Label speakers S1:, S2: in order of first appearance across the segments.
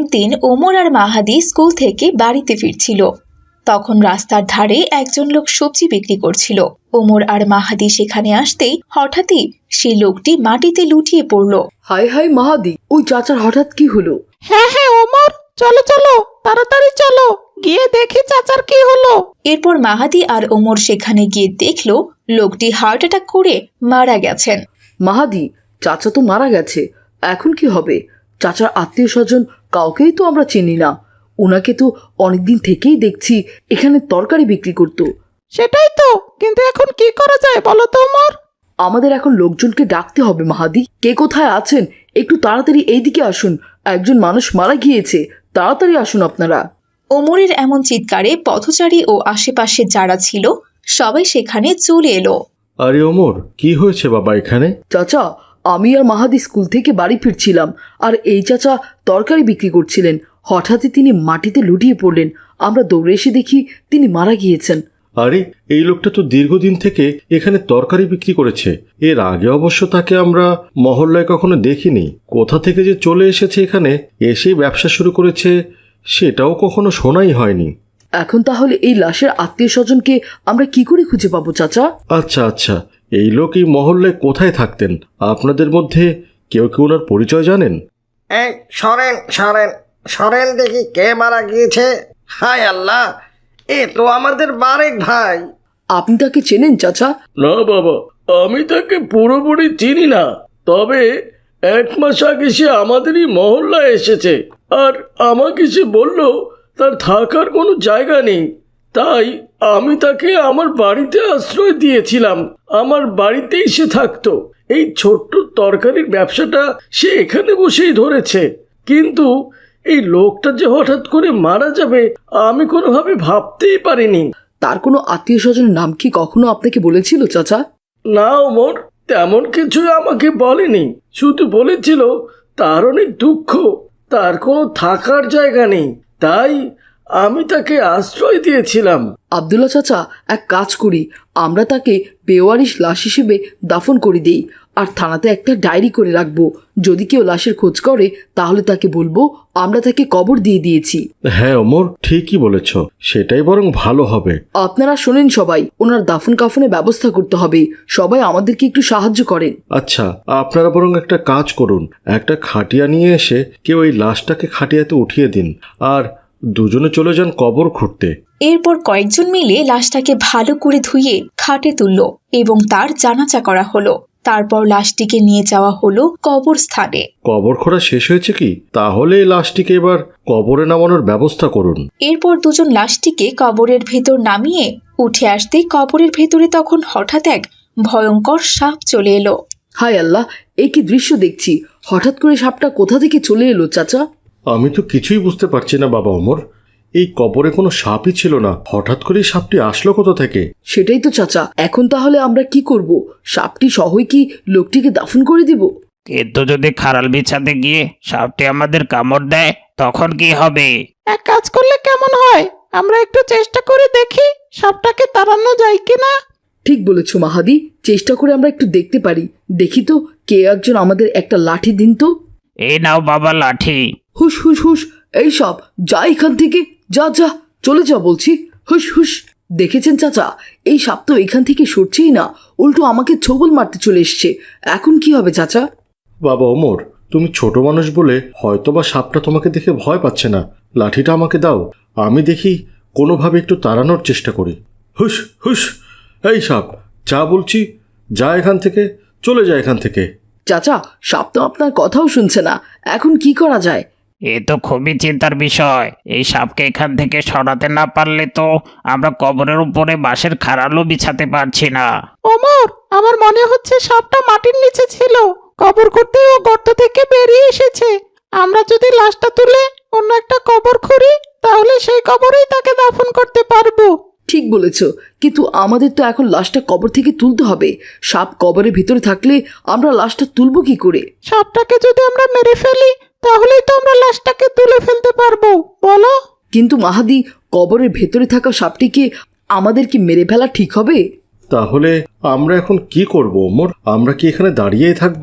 S1: একদিন ওমর আর মাহাদি স্কুল থেকে বাড়িতে ফিরছিল। তখন রাস্তার ধারে একজন লোক সবজি বিক্রি করছিল। ওমর আর মাহাদি সেখানে আসতেই হঠাৎই সেই লোকটি মাটিতে লুটিয়ে পড়ল।
S2: হায় হায় মাহাদি, ওই চাচার হঠাৎ কি হলো?
S3: হ্যাঁ হ্যাঁ ওমর, চলো চলো তাড়াতাড়ি চলো, গিয়ে দেখি চাচার কি হলো।
S1: এরপর মাহাদি আর ওমর সেখানে গিয়ে দেখলো লোকটি হার্ট অ্যাটাক করে মারা গেছেন।
S2: মাহাদি, চাচা তো মারা গেছে, এখন কি হবে? চাচার আত্মীয় স্বজন কাউকেই তো আমরা চিনি না। ওনাকে তো অনেকদিন থেকেই দেখছি এখানে তরকারি বিক্রি করতো।
S3: সেটাই তো, কিন্তু এখন কি করা যায় বলো তো ওমর?
S2: আমাদের এখন লোকজনকে ডাকতে হবে মাহাদি। কে কোথায় আছেন একটু তাড়াতাড়ি এইদিকে আসুন, একজন মানুষ মারা গিয়েছে, তাড়াতাড়ি আসুন আপনারা।
S1: ওমরের এমন চিৎকারে পথচারী ও আশেপাশে যারা ছিল সবাই সেখানে চলে এলো।
S4: আরে ওমর, কি হয়েছে বাবা এখানে?
S2: চাচা, আমি আর মাহাদি স্কুল থেকে বাড়ি ফিরছিলাম, আর এই চাচা তরকারি বিক্রি করছিলেন। হঠাৎই তিনি মাটিতে লুটিয়ে পড়লেন। আমরা দৌড়ে এসে দেখি তিনি মারা গিয়েছেন।
S4: আরে এই লোকটা তো দীর্ঘদিন থেকে এখানে তরকারি বিক্রি করেছে। এর আগে অবশ্য তাকে আমরা মহল্লায় কখনো দেখিনি। কোথা থেকে যে চলে এসেছে এখানে, এসেই ব্যবসা শুরু করেছে, সেটাও কখনো শোনাই হয়নি।
S2: এখন তাহলে এই লাশের আত্মীয় স্বজনকে আমরা কি করে খুঁজে পাবো চাচা?
S4: আচ্ছা আচ্ছা, এই লোক এই মহল্লায় কোথায় থাকতেন? আপনাদের মধ্যে কেউ কেউ ওনার পরিচয় জানেন?
S5: এই সরেন সরেন সরেন, দেখি কে মারা গিয়েছে। হায় আল্লাহ, এ তো আমাদের বারেক ভাই।
S2: আপনি তাকে চেনেন চাচা?
S6: না বাবা, আমি তাকে পুরোপুরি চিনি না, তবে 1 মাস আগে সে আমাদেরই মহল্লায় এসেছে, আর আমাকে সে বলল তার থাকার কোনো জায়গা নেই, তাই আমি তাকে আমার বাড়িতে আশ্রয় দিয়েছিলাম। আমার বাড়িতেই সে থাকতো। এই ছোট্ট তরকারির ব্যবসাটা সে এখানে বসেই ধরেছে, কিন্তু এই লোকটা যে হঠাৎ করে মারা যাবে আমি কোনোভাবে ভাবতেই পারিনি।
S2: তার কোনো আত্মীয় স্বজনের নাম কি কখনো আপনাকে বলেছিল চাচা?
S6: না ওমর, তেমন কিছুই আমাকে বলেনি, শুধু বলেছিল তার অনেক দুঃখ, তার কোনো থাকার জায়গা নেই, তাই আমি তাকে আশ্রয় দিয়েছিলাম।
S2: আব্দুল্লাহ চাচা, এক কাজ করি, আমরা তাকে বেওয়ারিশ লাশ হিসেবে দাফন করে দিই, আর থানাতে একটা ডায়েরি করে রাখবো। যদি কেউ লাশের খোঁজ করে তাহলে তাকে বলবো আমরা তাকে কবর দিয়ে দিয়েছি।
S4: হ্যাঁ ওমর, ঠিকই বলেছ, সেটাই বরং ভালো হবে।
S2: আপনারা শোনেন সবাই, ওনার দাফন কাফনের ব্যবস্থা করতে হবে। সবাই আমাদেরকে একটু সাহায্য করেন।
S4: আচ্ছা, আপনারা বরং একটা কাজ করুন, একটা খাটিয়া নিয়ে এসে কেউ এই লাশটাকে খাটিয়াতে উঠিয়ে দিন, আর দুজনে চলে যান কবর খুঁড়তে।
S1: এরপর কয়েকজন মিলে লাশটাকে ভালো করে ধুয়ে খাটে তুলল এবং তার জানাজা করা হলো। তারপর লাশটিকে নিয়ে যাওয়া হলো কবরস্থানে।
S4: কবর খোঁড়া শেষ হয়েছে কি? তাহলে এই লাশটিকে এবার কবরে নামানোর ব্যবস্থা করুন।
S1: এরপর দুজন লাশটিকে কবরের ভেতর নামিয়ে উঠে আসতেই কবরের ভেতরে তখন হঠাৎ এক ভয়ঙ্কর সাপ চলে এলো।
S2: হায় আল্লাহ, এই কি দৃশ্য দেখছি! হঠাৎ করে সাপটা কোথা থেকে চলে এলো চাচা?
S4: আমি তো কিছুই বুঝতে পারছি না বাবা ওমর, এই কবরে কোনো সাপই ছিল না, হঠাৎ করেই সাপটি আসলো কোথা থেকে?
S2: সেটাই তো চাচা, এখন তাহলে আমরা কি করব? সাপটি সহই কি লোকটিকে দাফন করে দিব?
S7: কিন্তু যদি খাড়াল বিছাতে গিয়ে সাপটি আমাদের কামড় দেয় তখন কি হবে?
S3: এক কাজ করলে কেমন হয়, আমরা একটু চেষ্টা করে দেখি সাপটাকে তাড়ানো যায় কিনা।
S2: ঠিক বলেছ মাহাদি, চেষ্টা করে আমরা একটু দেখতে পারি। দেখি তো, কে একজন আমাদের একটা লাঠি দিন তো।
S7: এই নাও বাবা লাঠি।
S2: হুস হুস হুস, এই সাপ যা এখান থেকে, যা যা, চলে যা বলছি, হুস হুস। দেখেছেন চাচা, এই সাপ তো এখান থেকে সরছেই না, উল্টো আমাকে ছোবল মারতে চলে এসছে। এখন কি হবে চাচা?
S4: বাবা ওমর, তুমি ছোট মানুষ বলে হয়তোবা সাপটা তোমাকে দেখে ভয় পাচ্ছে না। লাঠিটা আমাকে দাও, আমি দেখি কোনোভাবে একটু তাড়ানোর চেষ্টা করি। হুস হুস, এই সাপ যা বলছি, যা এখান থেকে, চলে যা এখান থেকে।
S2: চাচা, সাপ তো আপনার কথাও শুনছে না, এখন কি করা যায়?
S7: এ তো খুবই চিন্তার বিষয়। এই সাপকে এখান থেকে সরাতে না পারলে তো আমরা কবরের উপরে বাঁশের খাড়ালও বিছাতে পারছি না।
S3: ওমর, আমার মনে হচ্ছে সাপটা মাটির নিচে ছিল, কবর করতে ও গর্ত থেকে বেরিয়ে এসেছে। আমরা যদি লাশটা তুলে অন্য একটা কবর খুঁড়ি তাহলে সেই কবরেই তাকে দাফন করতে পারবো।
S2: ঠিক বলেছ, কিন্তু আমাদের তো এখন লাশটা কবর থেকে তুলতে হবে। সাপ কবরের ভিতরে থাকলে আমরা লাশটা তুলবো কি করে?
S3: সাপটাকে যদি আমরা মেরে ফেলি তাহলেই তো আমরা লাশটাকে তুলে ফেলতে পারবো, বলো?
S2: কিন্তু মাহাদি, কবরের ভেতরে থাকা সাপটিকে আমাদের কি মেরে ফেলা ঠিক হবে?
S4: তাহলে আমরা এখন কি করব ওমর? আমরা কি এখানে দাঁড়িয়েই থাকবো?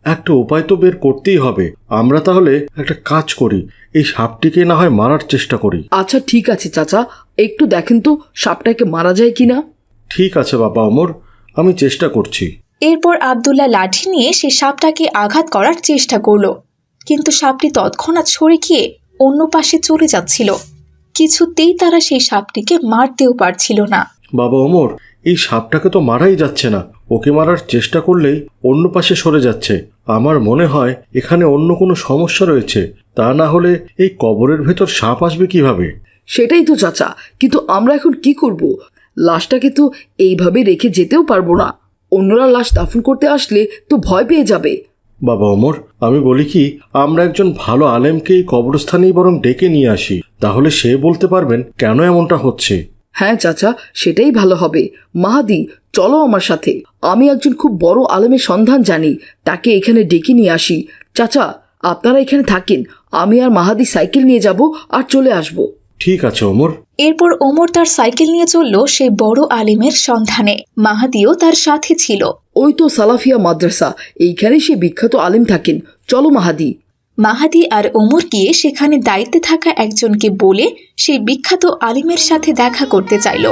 S4: একটা উপায় তো বের করতেই হবে। আমরা তাহলে একটা কাজ করি, এই সাপটিকে না হয় মারার চেষ্টা করি।
S2: আচ্ছা ঠিক আছে চাচা, একটু দেখেন তো সাপটাকে মারা যায় কিনা।
S4: ঠিক আছে বাবা ওমর, আমি চেষ্টা করছি।
S1: এরপর আব্দুল্লাহ লাঠি নিয়ে সে সাপটাকে আঘাত করার চেষ্টা করলো, কিন্তু সাপটি তৎক্ষণাৎ সরে গিয়ে অন্য পাশে চলে যাচ্ছিল। কিছুতেই তারা সেই সাপটিকে মারতেও পারছিল না।
S4: বাবা ওমর, এই সাপটাকে তো মারাই যাচ্ছে না, ওকে মারার চেষ্টা করলেই অন্য পাশে সরে যাচ্ছে। আমার মনে হয় এখানে অন্য কোনো সমস্যা রয়েছে, তা না হলে এই কবরের ভেতর সাপ আসবে কিভাবে?
S2: সেটাই তো চাচা, কিন্তু আমরা এখন কি করব? লাশটাকে তো এইভাবে রেখে যেতেও পারবো না। অন্যরা লাশ দাফন করতে আসলে তো ভয় পেয়ে যাবে।
S4: বাবা ওমর, আমি বলি কি, আমরা একজন ভালো আলেমকে এই কবরস্থানেই বরং ডেকে নিয়ে আসি, তাহলে সে বলতে পারবেন কেন এমনটা হচ্ছে।
S2: হ্যাঁ চাচা, সেটাই ভালো হবে। মাহাদি, চলো আমার সাথে। আমি একজন খুব বড় আলেমের সন্ধান জানি, তাকে এখানে ডেকে নিয়ে আসি। চাচা, আপনারা এখানে থাকেন, আমি আর মাহাদি সাইকেল নিয়ে যাব আর চলে আসব।
S4: ঠিক আছে ওমর।
S1: এরপর ওমর তার সাইকেল নিয়ে চলল সেই বড় আলিমের সন্ধানে। মাহাদিও তার সাথে ছিল।
S2: ওই তো সালাফিয়া মাদ্রাসা, এইখানে সে বিখ্যাত আলেম থাকেন। চলো মাহাদি।
S1: মাহাদি আর ওমর গিয়ে সেখানে দায়িত্বে থাকা একজনকে বলে সেই বিখ্যাত আলিমের সাথে দেখা করতে চাইল।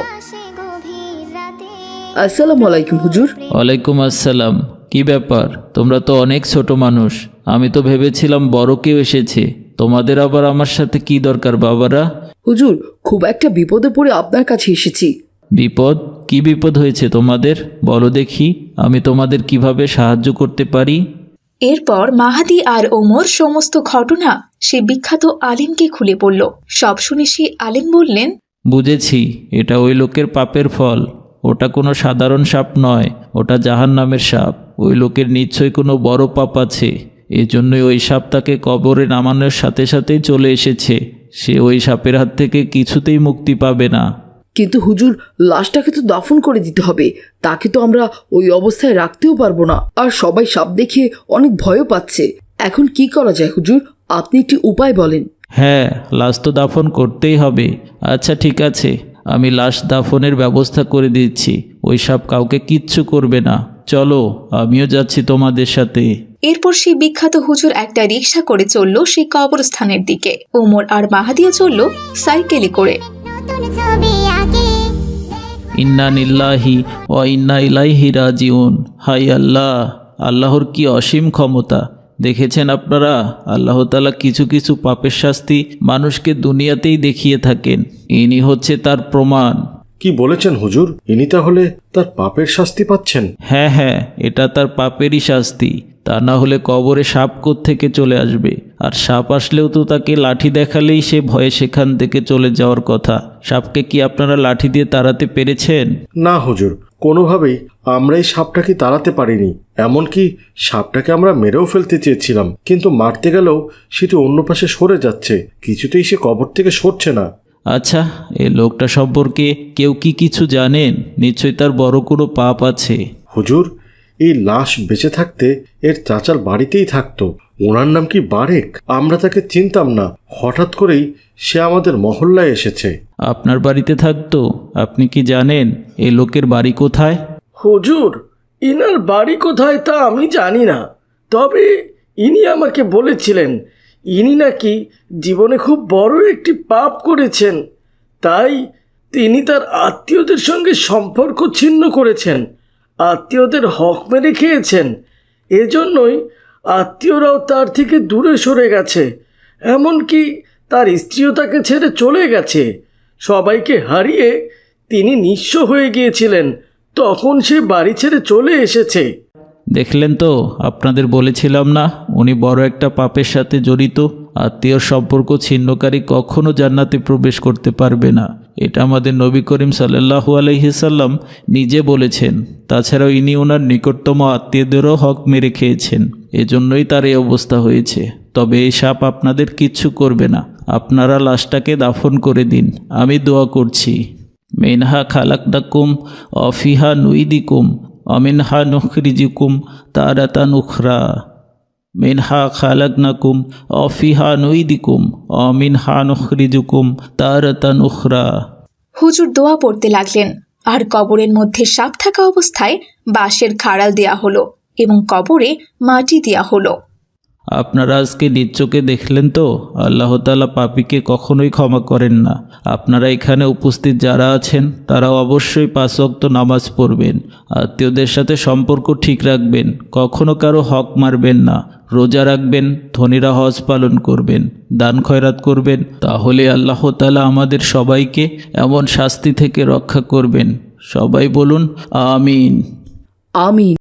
S2: আসসালামু আলাইকুম হুজুর।
S8: ওয়ালাইকুম আসসালাম। কি ব্যাপার, তোমরা তো অনেক ছোট মানুষ, আমি তো ভেবেছিলাম বড় কেউ এসেছে। তোমাদের আবার আমার সাথে কি দরকার বাবারা?
S2: হুজুর, খুব একটা বিপদে পড়ে আপনার কাছে এসেছি।
S8: বিপদ? কি বিপদ হয়েছে তোমাদের? বলো দেখি, আমি তোমাদের কিভাবে সাহায্য করতে পারি।
S1: এরপর মাহাদি আর ওমর সমস্ত ঘটনা সে বিখ্যাত আলিমকে খুলে বলল। সব শুনে সেই আলিম বললেন,
S8: বুঝেছি, এটা ওই লোকের পাপের ফল। ওটা কোনো সাধারণ সাপ নয়, ওটা জাহান্নামের সাপ। ওই লোকের নিশ্চয়ই কোনো বড় পাপ আছে, এজন্যই ওই সাপ তাকে কবরে নামানোর সাথে সাথেই চলে এসেছে। সে ওই সাপের হাত থেকে কিছুতেই মুক্তি পাবে না।
S2: কিন্তু হুজুর, লাশটাকে তো দাফন করে দিতে হবে, তাকে তো আমরা ওই অবস্থায় রাখতেও পারবো না। আর সবাই সাপ দেখে অনেক ভয়ও পাচ্ছে। এখন কি করা যায় হুজুর? আপনি একটি উপায় বলেন।
S8: হ্যাঁ, লাশ তো দাফন করতেই হবে। আচ্ছা ঠিক আছে, আমি লাশ দাফনের ব্যবস্থা করে দিচ্ছি। ওই সাপ কাউকে কিচ্ছু করবে না। চলো, আমিও যাচ্ছি তোমাদের সাথে।
S1: এরপর সেই বিখ্যাত হুজুর একটা রিকশা করে চলল সেই কবরস্থানের দিকে। ওমর আর মাহাদিও চলল সাইকেলে করে।
S8: ইন্না নিল্লাহি ওয়া ইন্না ইলাইহি রাজিউন। হাই আল্লাহ, আল্লাহর কি অসীম ক্ষমতা! দেখেছেন আপনারা, আল্লাহ তাআলা কিছু কিছু পাপের শাস্তি মানুষকে দুনিয়াতেই দেখিয়ে থাকেন। ইনি হচ্ছে তার প্রমাণ।
S4: কি বলেছেন হুজুর, ইনি তাহলে তার পাপের শাস্তি পাচ্ছেন?
S8: হ্যাঁ হ্যাঁ, এটা তার পাপেরই শাস্তি। তা না হলে কবরে সাপ থেকে চলে আসবে। আর সাপ আসলেও তো তাকে লাঠি দেখালেই সে ভয়ে সেখান থেকে চলে যাওয়ার কথা। সাপকে কি আপনারা লাঠি দিয়ে তাড়াতে পেরেছেন?
S4: না হুজুর, কোনোভাবেই আমরা এই সাপটাকে তাড়াতে পারিনি। এমনকি সাপটাকে আমরা মেরেও ফেলতে চেয়েছিলাম, কিন্তু মারতে গেলেও সেটি অন্য পাশে সরে যাচ্ছে, কিছুতেই সে কবর থেকে সরছে না।
S8: আচ্ছা, এই লোকটা সম্পর্কে কেউ কি কিছু জানেন? নিশ্চয়ই তার বড় কোনো পাপ আছে।
S4: হুজুর, এই লাশ বেঁচে থাকতে এর চাচার বাড়িতেই থাকতো। ওনার নাম কি বারেক। আমরা তাকে চিনতাম না, হঠাৎ করেই সে আমাদের মহল্লায় এসেছে।
S8: আপনার বাড়িতে থাকতো? আপনি কি জানেন এই লোকের বাড়ি কোথায়?
S6: হুজুর, ইনার বাড়ি কোথায় তা আমি জানি না, তবে ইনি আমাকে বলেছিলেন ইনি নাকি জীবনে খুব বড় একটি পাপ করেছেন, তাই তিনি তার আত্মীয়দের সঙ্গে সম্পর্ক ছিন্ন করেছেন, আত্মীয়দের হক মেরে খেয়েছেন। এজন্যই আত্মীয়রাও তার থেকে দূরে সরে গেছে, এমনকি তার স্ত্রীও তাকে ছেড়ে চলে গেছে। সবাইকে হারিয়ে তিনি নিঃস্ব হয়ে গিয়েছিলেন, তখন সে বাড়ি ছেড়ে চলে এসেছে।
S8: দেখলেন তো, আপনাদের বলেছিলাম না উনি বড় একটা পাপের সাথে জড়িত। আত্মীয় সম্পর্ক ছিন্নকারী কখনো জান্নাতে প্রবেশ করতে পারবে না, এটা আমাদের নবী করিম সাল্লাল্লাহু আলাইহি সাল্লাম নিজে বলেছেন। তাছাড়াও ইনি ওনার নিকটতম আত্মীয়দেরও হক মেরে খেয়েছেন, এজন্যই তার এই অবস্থা হয়েছে। তবে এই সাপ আপনাদের কিচ্ছু করবে না, আপনারা লাশটাকে দাফন করে দিন, আমি দোয়া করছি। মিনহা খালাকনাকুম ওয়া ফিহা নুইদিকুম ওয়া মিনহা নুখরিজুকুম তারাতান উখরা। মিনহা খালাকনাকুম ওয়া ফিহা নুইদিকুম ওয়া মিনহা নুখরিজুকুম তারাতান উখরা।
S1: হুজুর দোয়া পড়তে লাগলেন, আর কবরের মধ্যে সাপ থাকা অবস্থায় বাঁশের খাড়াল দেয়া হলো। এবং কবরে মাটি দেয়া হলো।
S8: আপনারা আজকে নিজ চোখে দেখলেন তো, আল্লাহ তাআলা পাপীকে কখনোই ক্ষমা করেন না। আপনারা এখানে উপস্থিত যারা আছেন তারা অবশ্যই 5 ওয়াক্ত নামাজ পড়বেন, আত্মীয়দের সাথে সম্পর্ক ঠিক রাখবেন, কখনো কারো হক মারবেন না, রোজা রাখবেন, ধনীরা হজ পালন করবেন, দান খয়রাত করবেন। তাহলে আল্লাহ তাআলা আমাদের সবাইকে এমন শাস্তি থেকে রক্ষা করবেন। সবাই বলুন আমিন।
S2: আমিন।